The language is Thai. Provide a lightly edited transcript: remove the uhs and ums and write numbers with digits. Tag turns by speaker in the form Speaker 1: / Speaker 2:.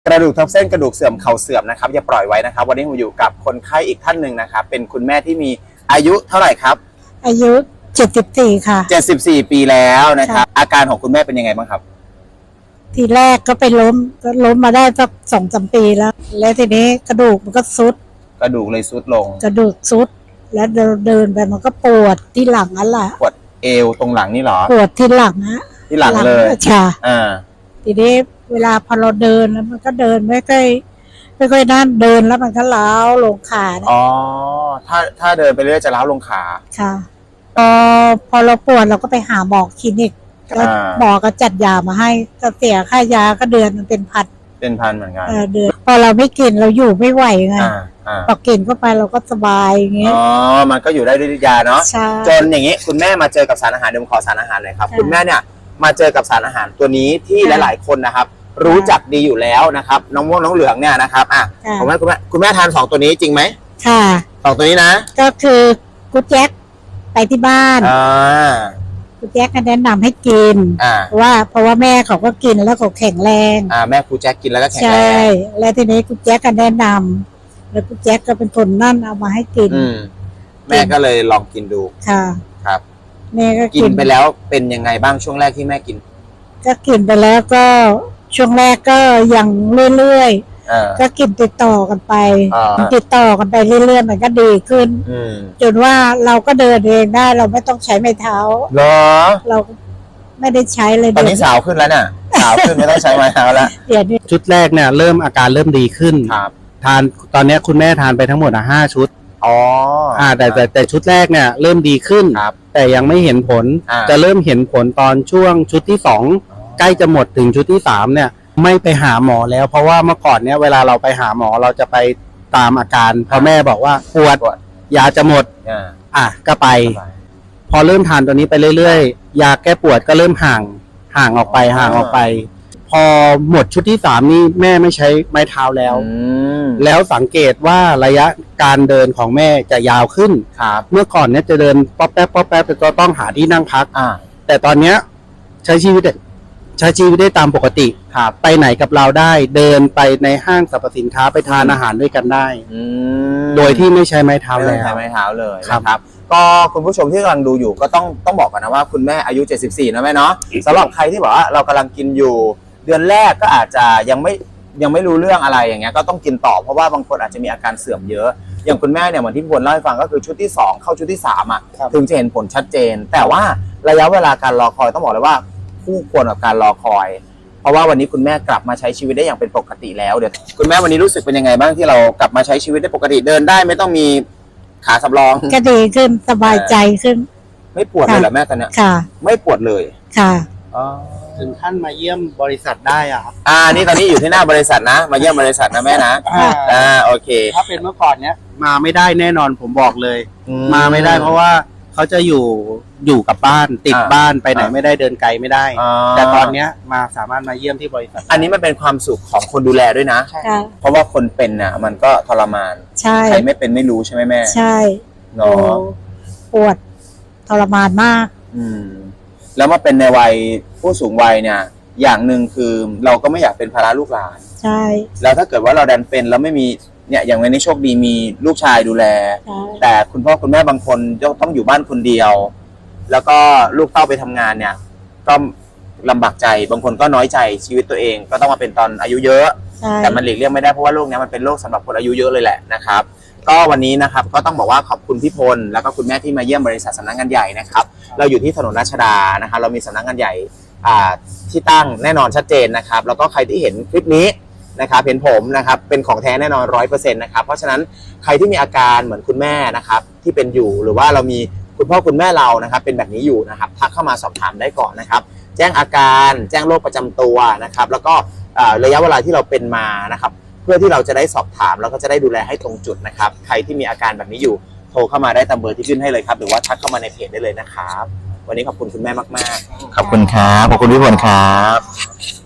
Speaker 1: กระดูกทับเส้นกระดูกเสื่อมเข่าเสื่อมนะครับอย่าปล่อยไว้นะครับวันนี้ผมอยู่กับคนไข้อีกท่านหนึ่งนะครับเป็นคุณแม่ที่มีอายุเท่าไหร่ครับ
Speaker 2: อายุ74ค่ะ
Speaker 1: 74 ปีแล้วนะครับอาการของคุณแม่เป็นยังไงบ้างครับ
Speaker 2: ทีแรกก็ไปล้มมาได้สัก2-3 ปีแล้วทีนี้กระดูกมันก็ซุด
Speaker 1: กระดูกเลยซุดลง
Speaker 2: กระดูกซุดแล้วเดินไปมันก็ปวดที่หลังนั่นแหละ
Speaker 1: ปวดเอวตรงหลังนี่หรอ
Speaker 2: ปวดที่หลังนะ
Speaker 1: ที่หลังเลย
Speaker 2: ค่ะทีนี้เวลาพอเราเดินแล้วมันก็เดินไม่ค่อยนั่นเดินแล้วมันก็ล้าวลงขา
Speaker 1: อ๋อถ้าเดินไปเรื่อยจะล้าวลงขา
Speaker 2: ค่ะพอเราปวดเราก็ไปหาหมอคลินิกก็หมอก็จัดยามาให้ก็เสียค่ายาก็เดือนมันเป็นพันเห
Speaker 1: มือนกัน
Speaker 2: เดือนพอเราไม่กินเราอยู่ไม่ไหวไงพอกินเข้าไปเราก็สบายอย่างเงี้ย
Speaker 1: อ๋อมันก็อยู่ได้ด้วยยาเนาะจนอย่างนี้คุณแม่มาเจอกับสารอาหารเดี๋ยวผมขอสารอาหารเลยครับคุณแม่เนี่ยมาเจอกับสารอาหารตัวนี้ที่หลายๆคนนะครับรู้จักดีอยู่แล้วนะครับน้องม่วงน้องเหลืองเนี่ยนะครับผมว่าคุณแม่ทาน2ตัวนี้จริงไหม
Speaker 2: ค่ะ
Speaker 1: 2ตัวนี้นะ
Speaker 2: ก็คือกูแจ็คไปที่บ้านกูแจ็คก็แนะนำให้กินเพราะว่าแม่เขาก็กินแล้วเขาแข็งแรง
Speaker 1: แม่กูแจ็คกินแล้วก็แข็งแรง
Speaker 2: ใช่แล้วทีนี้กูแจ็คก็แนะนำแล้วกูแจ็คก็เป็นคนนั่นเอามาให้กิน
Speaker 1: แม่ก็เลยลองกินดู
Speaker 2: ค่ะ
Speaker 1: ครับ
Speaker 2: แม่ก็
Speaker 1: กินไปแล้วเป็นยังไงบ้างช่วงแรกที่แม่กิน
Speaker 2: ก็กินไปแล้วก็ช่วงแรกก็ยังเรื่อยๆก็กินติดต่อกันไปเรื่อยๆมันก็ดีขึ้นจนว่าเราก็เดินเองได้เราไม่ต้องใช้ไม้เท้า
Speaker 1: เหรอ
Speaker 2: เราไม่ได้ใช้เลย
Speaker 1: ตอนนี้สาวขึ้นแล้วน่ะสาวขึ้นไม่ต้องใช้ไม้เท้าแล้ว
Speaker 3: ชุดแรกเนี่ยอาการเริ่มดีขึ้นทานตอนนี้คุณแม่ทานไปทั้งหมด5 ชุดแต่ชุดแรกเนี่ยเริ่มดีขึ้นแต่ยังไม่เห็นผลจะเริ่มเห็นผลตอนช่วงชุดที่2ใกล้จะหมดถึงชุดที่3เนี่ยไม่ไปหาหมอแล้วเพราะว่าเมื่อก่อนเนี่ยเวลาเราไปหาหมอเราจะไปตามอาการพอแม่บอกว่าปวดยาจะหมดก็ไปพอเริ่มทานตัวนี้ไปเรื่อยๆยาแก้ปวดก็เริ่มห่างออกไปพอหมดชุดที่3นี่แม่ไม่ใช้ไม้เท้าแล้วสังเกตว่าระยะการเดินของแม่จะยาวขึ้นเมื่อก่อนเนี่ยจะเดินป๊อปแป๊บแต่ก็ต้องหาที่นั่งพักแต่ตอนเนี้ยใช้ชีวิตได้ตามปกติไปไหนกับเราได้เดินไปในห้างสรรพสินค้าไปทานอาหารด้วยกันได้โดยที่ไม่ใช้ไม้เท้าเลย
Speaker 1: ใช้ไม้เท้าเลยครับก็คุณผู้ชมที่กำลังดูอยู่ก็ต้องบอกกันนะว่าคุณแม่อายุ74นะแม่เนาะสำหรับใครที่บอกว่าเรากำลังกินอยู่เดือนแรกก็อาจจะยังไม่รู้เรื่องอะไรอย่างเงี้ยก็ต้องกินต่อเพราะว่าบางคนอาจจะมีอาการเสื่อมเยอะอย่างคุณแม่เนี่ยเหมือนที่พี่พลเล่าให้ฟังก็คือชุดที่2เข้าชุดที่3ถึงจะเห็นผลชัดเจนแต่ว่าระยะเวลาการรอคอยต้องบอกเลยว่าคู่ควรกับการรอคอยเพราะว่าวันนี้คุณแม่กลับมาใช้ชีวิตได้อย่างเป็นปกติแล้วเดี๋ยวคุณแม่วันนี้รู้สึกเป็นยังไงบ้างที่เรากลับมาใช้ชีวิตได้ปกติเดินได้ไม่ต้องมีขาสำรอง
Speaker 2: ก็ดีขึ้นสบายใจขึ้น
Speaker 1: ไม่ปวดเลยเหรอแม่ตอนนี้
Speaker 2: ค่ะ
Speaker 1: ไม่ปวดเลย
Speaker 2: ค่ะ
Speaker 3: ถึงขั้นมาเยี่ยมบริษัทได้ครับ
Speaker 1: นี่ตอนนี้อยู่ที่หน้าบริษัทนะมาเยี่ยมบริษัทนะแม่นะโอเค
Speaker 3: ถ้าเป็นเมื่อก่อนเนี้ยมาไม่ได้แน่นอนผมบอกเลยมาไม่ได้เพราะว่าเขาจะอยู่กับบ้านติดบ้านไปไหนไม่ได้เดินไกลไม่ได้แต่ตอนเนี้ยสามารถมาเยี่ยมที่บริษัท
Speaker 1: อันนี้มันเป็นความสุขของคนดูแลด้วยนะเพราะว่าคนเป็นน่ะมันก็ทรมานใครไม่เป็นไม่รู้ใช่ไหมแม่
Speaker 2: ใช่
Speaker 1: เนาะ
Speaker 2: ปวดทรมานมาก
Speaker 1: แล้วมาเป็นในวัยผู้สูงวัยเนี่ยอย่างหนึ่งคือเราก็ไม่อยากเป็นภาระลูกหลาน
Speaker 2: ใช่
Speaker 1: แล้วถ้าเกิดว่าเราดันเป็นแล้วไม่มีเนี่ยอย่างวันนี้โชคดีมีลูกชายดูแลแต่คุณพ่อคุณแม่บางคนต้องอยู่บ้านคนเดียวแล้วก็ลูกเต้าไปทำงานเนี่ยก็ลำบากใจบางคนก็น้อยใจชีวิตตัวเองก็ต้องมาเป็นตอนอายุเยอะแต่มันหลีกเลี่ยงไม่ได้เพราะว่าโรคนี้มันเป็นโรคสำหรับคนอายุเยอะเลยแหละนะครับก็วันนี้นะครับก็ต้องบอกว่าขอบคุณพี่พลแล้วก็คุณแม่ที่มาเยี่ยมบริษัทสำนักงานใหญ่นะครับเราอยู่ที่ถนนราชดานะครับเรามีสำนักงานใหญ่ที่ตั้งแน่นอนชัดเจนนะครับแล้วก็ใครที่เห็นคลิปนี้นะครับเห็นผมนะครับเป็นของแท้แน่นอน 100% นะครับเพราะฉะนั้นใครที่มีอาการเหมือนคุณแม่นะครับที่เป็นอยู่หรือว่าเรามีคุณพ่อคุณแม่เรานะครับเป็นแบบนี้อยู่นะครับทักเข้ามาสอบถามได้ก่อนนะครับแจ้งอาการแจ้งโรคประจำตัวนะครับแล้วก็ระยะเวลาที่เราเป็นมานะครับเพื่อที่เราจะได้สอบถามแล้วก็จะได้ดูแลให้ตรงจุดนะครับใครที่มีอาการแบบนี้อยู่โทรเข้ามาได้ตามเบอร์ที่ขึ้นให้เลยครับหรือว่าทักเข้ามาในเพจได้เลยนะครับวันนี้ขอบคุณคุณแม่มากๆขอบคุณครับขอบคุณพี่พลครับ